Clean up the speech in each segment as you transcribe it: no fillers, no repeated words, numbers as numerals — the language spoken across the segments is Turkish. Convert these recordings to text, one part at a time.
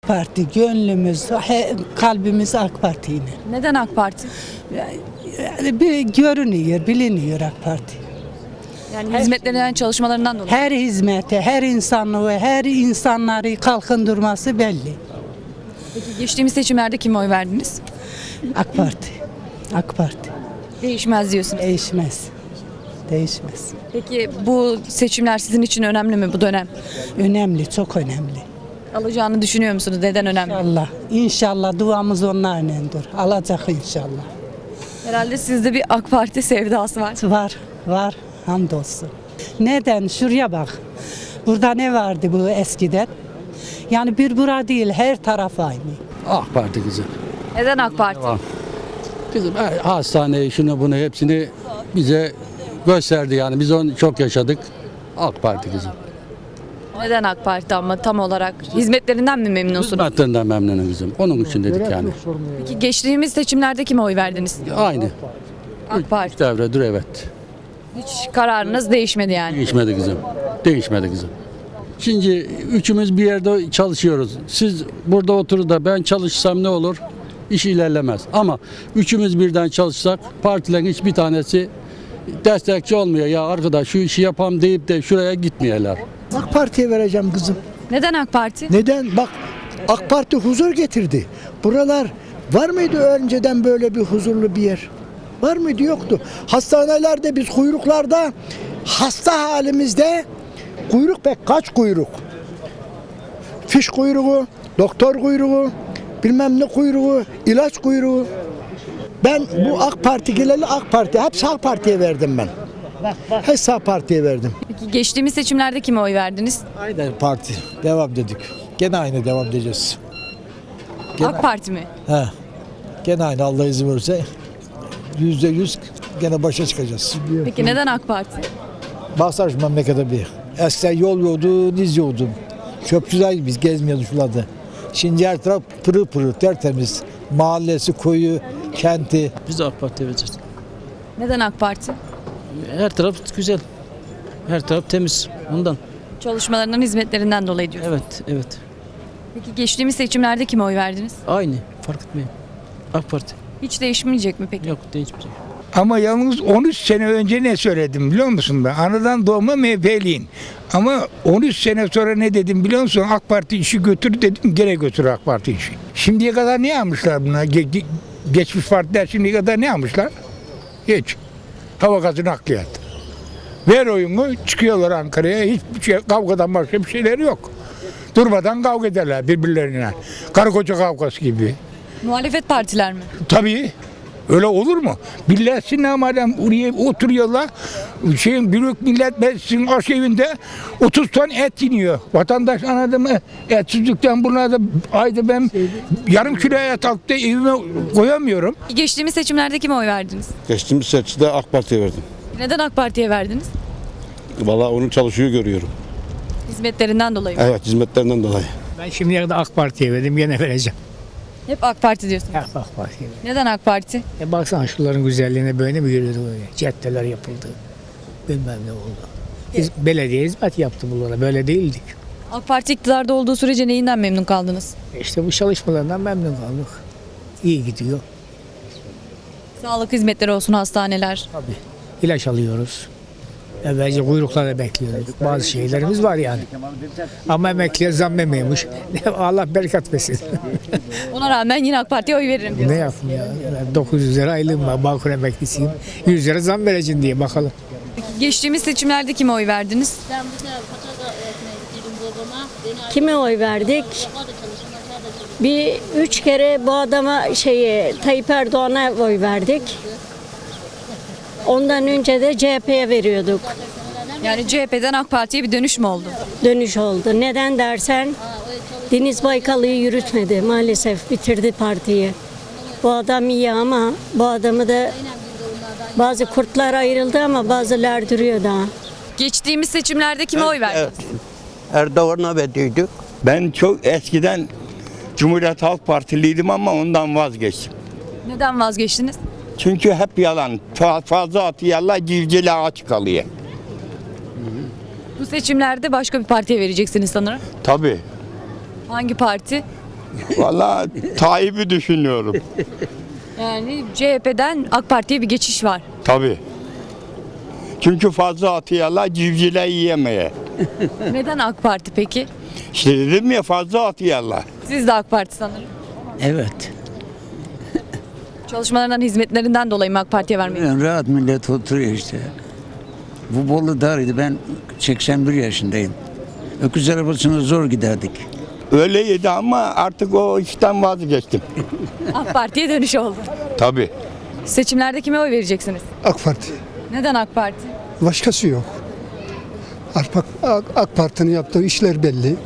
Parti gönlümüz, kalbimiz AK Parti ile. Neden AK Parti? Yani bir görünüyor, biliniyor AK Parti. Yani hizmetlerinden, çalışmalarından dolayı. Her hizmete, her insanlığı, her insanları kalkındırması belli. Peki geçtiğimiz seçimlerde kime oy verdiniz? AK Parti. AK Parti. Değişmez diyorsunuz. Değişmez. Değişmez. Peki bu seçimler sizin için önemli mi bu dönem? Önemli, çok önemli. Alacağını düşünüyor musunuz? Neden önemli? İnşallah. İnşallah duamız onlarındır. Alacak inşallah. Herhalde sizde bir AK Parti sevdası var. Var. Hamdolsun. Neden? Şuraya bak. Burada ne vardı bu eskiden? Yani bir bura değil, her taraf aynı. AK Parti kızım. Neden AK Parti? Kızım hastaneyi şunu bunu hepsini bize gösterdi yani. Biz onu çok yaşadık. AK Parti kızım. Neden AK Parti ama tam olarak? Hizmetlerinden mi memnunsunuz? Hizmetlerinden memnunum kızım. Onun için dedik yani. Peki geçtiğimiz seçimlerde kime oy verdiniz? Aynı. AK Parti. Üç devredir evet. Hiç kararınız değişmedi yani. Değişmedi kızım. Değişmedi kızım. Şimdi üçümüz bir yerde çalışıyoruz. Siz burada oturur da ben çalışsam ne olur? İş ilerlemez. Ama üçümüz birden çalışsak partilerin hiçbir tanesi destekçi olmuyor. Ya arkadaş şu işi yapam deyip de şuraya gitmeyeler. AK Parti'ye vereceğim kızım. Neden AK Parti? Neden? Bak AK Parti huzur getirdi. Buralar var mıydı önceden böyle bir huzurlu bir yer? Var mıydı? Yoktu. Hastanelerde biz kuyruklarda hasta halimizde kuyruk pek kaç kuyruk? Fiş kuyruğu, doktor kuyruğu, bilmem ne kuyruğu, ilaç kuyruğu. Ben bu AK Parti geleli AK Parti, hepsi AK Parti'ye verdim ben. Hepsi AK Parti'ye verdim. Peki geçtiğimiz seçimlerde kime oy verdiniz? Aynı parti. Devam dedik. Gene aynı devam edeceğiz. AK Parti mi? He. Gene aynı Allah izin verirse. %100 gene başa çıkacağız. Peki neden AK Parti? Baksana şu memlekete bir. Eskiden yol yoktu, diz yoktu. Çöpçüler gibi biz gezmiyorduk şuralarda. Şimdi her taraf pırıl pırıl, tertemiz. Mahallesi, koyu, kenti. Biz de AK Parti'ye vereceğiz. Neden AK Parti? Her taraf güzel. Her taraf temiz. Ondan. Çalışmalarından, hizmetlerinden dolayı diyor. Evet. Peki geçtiğimiz seçimlerde kime oy verdiniz? Aynı. Fark etmiyor. AK Parti. Hiç değişmeyecek mi peki? Yok değişmeyecek. Ama yalnız 13 sene önce ne söyledim biliyor musun ben? Anadan doğma MHP'liyim. Ama 13 sene sonra ne dedim biliyor musun? AK Parti işi götür dedim, gene götür AK Parti işi. Şimdiye kadar ne yapmışlar buna? Geçmiş partiler şimdiye kadar ne yapmışlar? Hiç. Hava gazı nakliyat. Ver oyunu, çıkıyorlar Ankara'ya. Hiçbir şey, kavgadan başka bir şeyleri yok. Durmadan kavga ederler birbirlerine. Karı koca kavgası gibi. Muhalefet partiler mi? Tabii. Öyle olur mu? Bilirsin madem oraya oturuyorlar. Büyük Millet Meclisi'nin arşivinde 30 ton et iniyor. Vatandaş anladı mı? Etsizlikten buna da ayda ben yarım kilo et alıp da evime koyamıyorum. Geçtiğimiz seçimlerde kime oy verdiniz? Geçtiğimiz seçimde AK Parti'ye verdim. Neden AK Parti'ye verdiniz? Vallahi onun çalışıyor görüyorum. Hizmetlerinden dolayı. Evet, hizmetlerinden dolayı. Ben şimdiye kadar AK Parti'ye verdim, gene vereceğim. Hep AK Parti diyorsunuz. Hep AK Parti'ye verdim. Neden AK Parti? Baksana şunların güzelliğine böyle mi görüyordu böyle? Caddeler yapıldı. Bilmem ne oldu. Biz belediye hizmet yaptı bunlara, böyle değildik. AK Parti iktidarda olduğu sürece neyinden memnun kaldınız? İşte bu çalışmalarından memnun kaldık. İyi gidiyor. Sağlık hizmetleri olsun, hastaneler. Tabii. İlaç alıyoruz. Evvelce kuyruklarda bekliyorduk. Bazı şeylerimiz var yani. Ama emekliye zam yemiyormuş. Allah bereket versin. Ona rağmen yine AK Parti'ye oy veririm diyor. Ne yapayım ya? Ben 900 lira aylığım var. Bağkur emeklisiyim. 100 lira zam vereceğim diye bakalım. Geçtiğimiz seçimlerde kime oy verdiniz? Kime oy verdik? Bir 3 kere bu adama Tayyip Erdoğan'a oy verdik. Ondan önce de CHP'ye veriyorduk. Yani CHP'den AK Parti'ye bir dönüş mü oldu? Dönüş oldu. Neden dersen Deniz Baykal'ı yürütmedi maalesef, bitirdi partiyi. Bu adam iyi ama bu adamı da bazı kurtlar ayrıldı ama bazılar duruyor daha. Geçtiğimiz seçimlerde kime oy verdiniz? Erdoğan'a verdiydik. Ben çok eskiden Cumhuriyet Halk Partiliydim ama ondan vazgeçtim. Neden vazgeçtiniz? Çünkü hep yalan. Fazla atıyorlar, civcile aç kalıyor. Bu seçimlerde başka bir partiye vereceksiniz sanırım. Tabii. Hangi parti? Vallahi Tayyip'i düşünüyorum. Yani CHP'den AK Parti'ye bir geçiş var. Tabii. Çünkü fazla atıyorlar, civcivler yiyemeye. Neden AK Parti peki? İşte dedim ya, fazla atıyorlar. Siz de AK Parti sanırım. Evet. Çalışmalarından, hizmetlerinden dolayı mı AK Parti'ye vermeyi? Rahat millet oturuyor işte. Bu Bolu Darı'ydı. Ben 81 yaşındayım. Öküz arabasına zor giderdik. Öyleydi ama artık o işten vazgeçtim. AK Parti'ye dönüş oldu. Tabii. Seçimlerde kime oy vereceksiniz? AK Parti. Neden AK Parti? Başkası yok. AK Parti'nin yaptığı işler belli.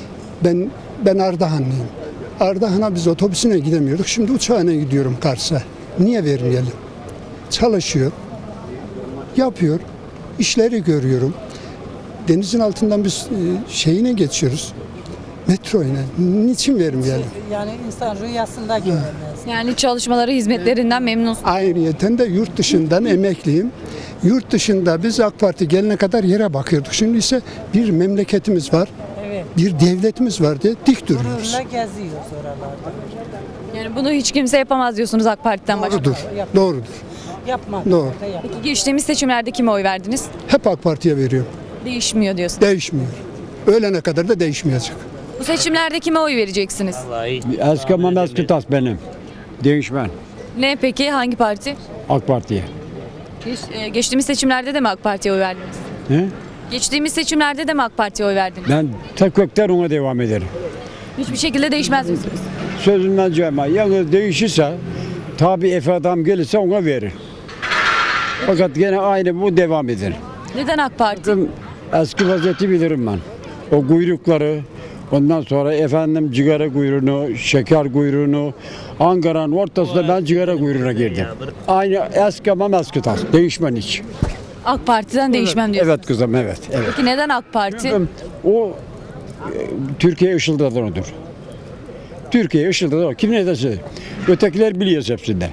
Ben Ardahanlıyım. Ardahan'a biz otobüsüne gidemiyorduk. Şimdi uçağına gidiyorum Kars'a. Niye vermeyelim? Çalışıyor. Yapıyor. İşleri görüyorum. Denizin altından biz şeyine geçiyoruz. Metroyla. Niçin vermeyelim? Yani insan rüyasında göremez. Yani çalışmaları, hizmetlerinden memnunsunuz. Ayrıyeten de yurt dışından emekliyim. Yurt dışında biz AK Parti gelene kadar yere bakıyorduk. Şimdi ise bir memleketimiz var. Evet. Bir devletimiz var diye dik duruyoruz. Gururla geziyoruz oralarda. Yani bunu hiç kimse yapamaz diyorsunuz AK Parti'den başka. Doğrudur. Doğrudur. Yapmadı. Doğru. Peki geçtiğimiz seçimlerde kime oy verdiniz? Hep AK Parti'ye veriyorum. Değişmiyor diyorsunuz. Değişmiyor. Ölene kadar da değişmeyecek. Bu seçimlerde kime oy vereceksiniz? Eski ama eski tas benim. Değişmen. Ne peki? Hangi parti? AK Parti'ye. Geçtiğimiz seçimlerde de mi AK Parti'ye oy verdiniz? He? Geçtiğimiz seçimlerde de mi AK Parti'ye oy verdiniz? Ben tek kökten ona devam ederim. Hiçbir şekilde değişmez misiniz? Sözümden cayma. Yalnız değişirse tabi Efe adam gelirse ona verir. Fakat gene aynı bu devam eder. Neden AK Parti? Eski vaziyeti bilirim ben. O kuyrukları, ondan sonra efendim cigara kuyruğunu, şeker kuyruğunu, Ankara'nın ortasında ben cigara kuyruğuna girdim. Aynı eski ama eski tas. Değişmen hiç. AK Parti'den değişmem diyorsunuz. Evet kızım, evet. Peki neden AK Parti? O Türkiye ışıldadan odur. Türkiye ışıldadan o. Kim ne derse. Ötekiler biliyoruz hepsinde.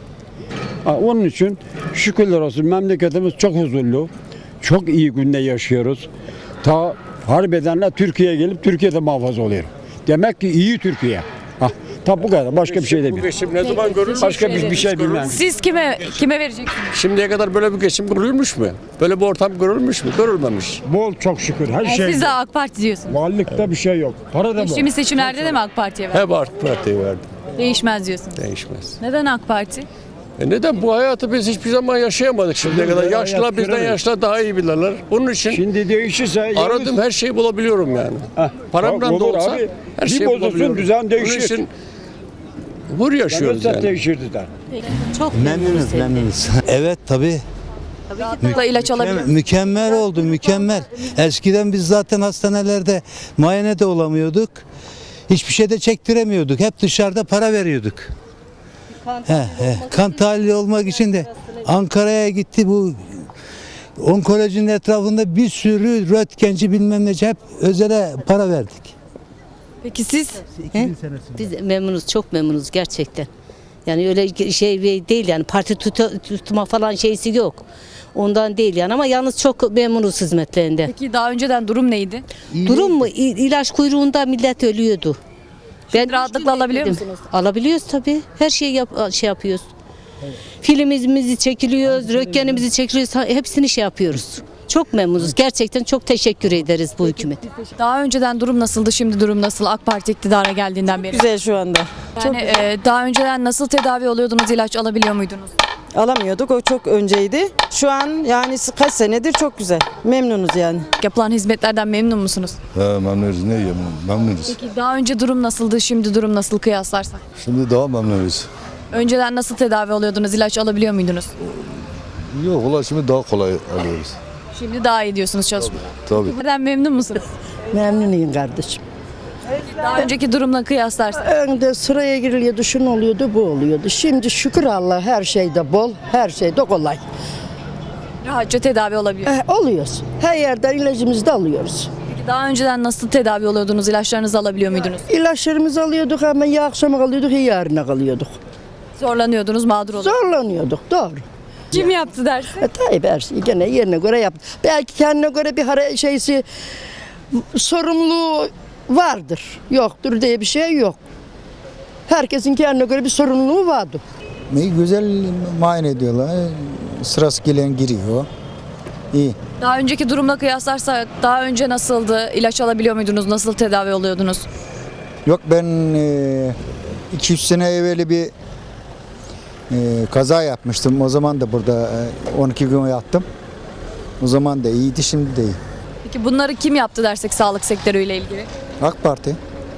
Onun için şükürler olsun memleketimiz çok huzurlu. Çok iyi günde yaşıyoruz. Ta harbedenler Türkiye'ye gelip Türkiye'de muhafaza oluyor. Demek ki iyi Türkiye. Tabi bu kadar. Başka bir şey demiyorum. Geçim ne zaman görülmüş? Başka bir şey bilmem. Siz kime vereceksiniz? Şimdiye kadar böyle bir geçim görülmüş mü? Böyle bir ortam görülmüş mü? Görülmemiş. Bol çok şükür. Her Yani şey. siz de AK Parti diyorsunuz. Varlıkta bir şey yok. Para da bol. Geçtiğimiz seçimlerde de mi AK Parti'ye verdiniz? Hep AK Parti'ye verdim. Değişmez diyorsunuz. Değişmez. Neden AK Parti? Neden? Bu hayatı biz hiçbir zaman yaşayamadık şimdiye kadar. Yaşlılar bizden göremeyiz. yaşlılar daha iyi bilirler. Onun için Şimdi değişirse aradım her şeyi bulabiliyorum yani. Paramdan da olur olsa abi. her Bir şeyi bozulsun, bulabiliyorum. düzen değişir. Onun için hur yaşıyoruz yani. Değişirdi de. Çok Memnunuz. Evet tabii. Da ilaç alabiliyor. Mükemmel oldu, mükemmel. Eskiden biz zaten hastanelerde muayene de olamıyorduk. Hiçbir şey de çektiremiyorduk. Hep dışarıda para veriyorduk. Kan tahlili olmak için de Ankara'ya gitti, bu onkolojinin etrafında bir sürü röntgenci bilmem nece hep özele para verdik. Peki siz? Biz memnunuz, çok memnunuz gerçekten. Yani öyle şey değil yani parti tutma falan şeysi yok. Ondan değil yani ama yalnız çok memnunuz hizmetlerinden. Peki daha önceden durum neydi? Durum mu? İlaç kuyruğunda millet ölüyordu. Rahatlıkla alabiliyor musunuz? Alabiliyoruz tabii. Her şeyi yapıyoruz. Filmimizi çekiliyoruz, röntgenimizi çekiliyoruz. Hepsini şey yapıyoruz. Çok memnunuz. Gerçekten çok teşekkür ederiz bu hükümet. Daha önceden durum nasıldı, şimdi durum nasıl? AK Parti iktidara geldiğinden beri. Güzel şu anda. Yani daha önceden nasıl tedavi oluyordunuz, ilaç alabiliyor muydunuz? Alamıyorduk, o çok önceydi. Şu an yani kaç senedir çok güzel. Memnunuz yani. Yapılan hizmetlerden memnun musunuz? Memnunuz, ne diyeyim, memnunuz. Peki daha önce durum nasıldı, şimdi durum nasıl kıyaslarsak? Şimdi daha memnunuz. Önceden nasıl tedavi oluyordunuz, ilaç alabiliyor muydunuz? Yok, ulan şimdi daha kolay alıyoruz. Şimdi daha iyi diyorsunuz çalışma. Tabii. Neden memnun musunuz? Memnunuyum kardeşim. Daha önceki durumla kıyaslarsak. Önde sıraya giriliyordu, şun oluyordu, bu oluyordu. Şimdi şükür Allah her şeyde bol, her şeyde kolay. Rahatça tedavi olabiliyor. Oluyoruz. Her yerden ilacımızı da alıyoruz. Peki daha önceden nasıl tedavi oluyordunuz, ilaçlarınızı alabiliyor muydunuz? İlaçlarımızı alıyorduk ama ya akşama kalıyorduk ya yarına kalıyorduk. Zorlanıyordunuz, mağdur oluyordunuz. Zorlanıyorduk, doğru. Kim yaptı dersi? Tayyip her şeyi gene yerine göre yaptı. Belki kendine göre bir sorumluluğu vardır. Yoktur diye bir şey yok. Herkesin kendine göre bir sorumluluğu vardı. Güzel muayene ediyorlar. Sırası gelen giriyor. İyi. Daha önceki durumla kıyaslarsak daha önce nasıldı? İlaç alabiliyor muydunuz? Nasıl tedavi oluyordunuz? Yok ben 2-3 sene evveli bir kaza yapmıştım. O zaman da burada 12 gün yattım. O zaman da iyiydi, şimdi de iyi. Peki bunları kim yaptı dersek sağlık sektörüyle ilgili? AK Parti.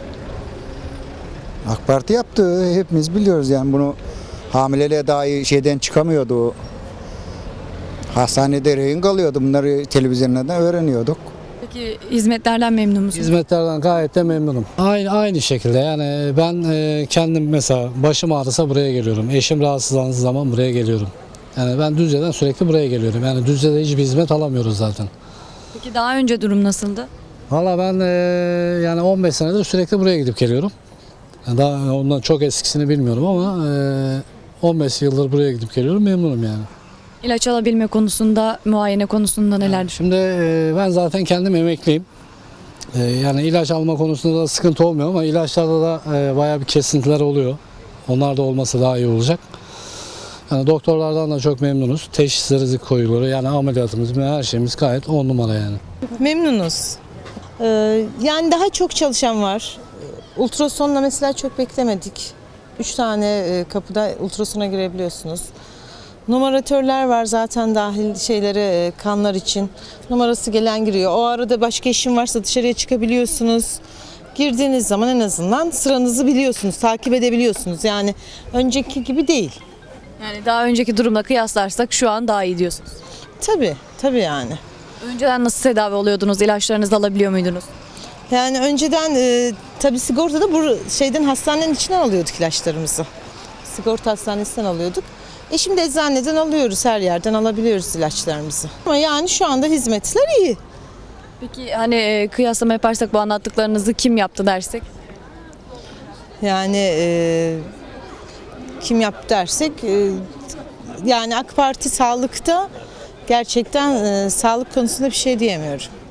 AK Parti yaptı. Hepimiz biliyoruz yani bunu. Hamileliğe dahi şeyden çıkamıyordu. Hastanede rehin kalıyordu. Bunları televizyonlardan öğreniyorduk. Peki hizmetlerden memnun musunuz? Hizmetlerden gayet de memnunum. Aynı şekilde yani ben kendim mesela başım ağrısa buraya geliyorum. Eşim rahatsızlandığı zaman buraya geliyorum. Yani ben Düzce'den sürekli buraya geliyorum. Yani Düzce'de hiçbir hizmet alamıyoruz zaten. Peki daha önce durum nasıldı? Valla ben yani 15 senedir sürekli buraya gidip geliyorum. Yani daha ondan çok eskisini bilmiyorum ama 15 yıldır buraya gidip geliyorum, memnunum yani. İlaç alabilme konusunda, muayene konusunda neler düşünüyorsunuz? Şimdi ben zaten kendim emekliyim. Yani ilaç alma konusunda da sıkıntı olmuyor ama ilaçlarda da bayağı bir kesintiler oluyor. Onlar da olması daha iyi olacak. Yani doktorlardan da çok memnunuz. Teşhisleri koyuları yani ameliyatımız ve her şeyimiz gayet 10 numara yani. Memnunuz. Yani daha çok çalışan var. Ultrasonla mesela çok beklemedik. 3 tane kapıda ultrasona girebiliyorsunuz. Numaratörler var zaten dahil şeyleri kanlar için. Numarası gelen giriyor. O arada başka işin varsa dışarıya çıkabiliyorsunuz. Girdiğiniz zaman en azından sıranızı biliyorsunuz, takip edebiliyorsunuz. Yani önceki gibi değil. Yani daha önceki durumla kıyaslarsak şu an daha iyi diyorsunuz. Tabii yani. Önceden nasıl tedavi oluyordunuz? İlaçlarınızı alabiliyor muydunuz? Yani önceden tabii sigortada bu hastanenin içinden alıyorduk ilaçlarımızı. Sigorta hastanesinden alıyorduk. Şimdi eczaneden alıyoruz, her yerden alabiliyoruz ilaçlarımızı. Ama yani şu anda hizmetler iyi. Peki hani kıyaslama yaparsak bu anlattıklarınızı kim yaptı dersek? Yani kim yaptı dersek yani AK Parti sağlıkta gerçekten sağlık konusunda bir şey diyemiyorum.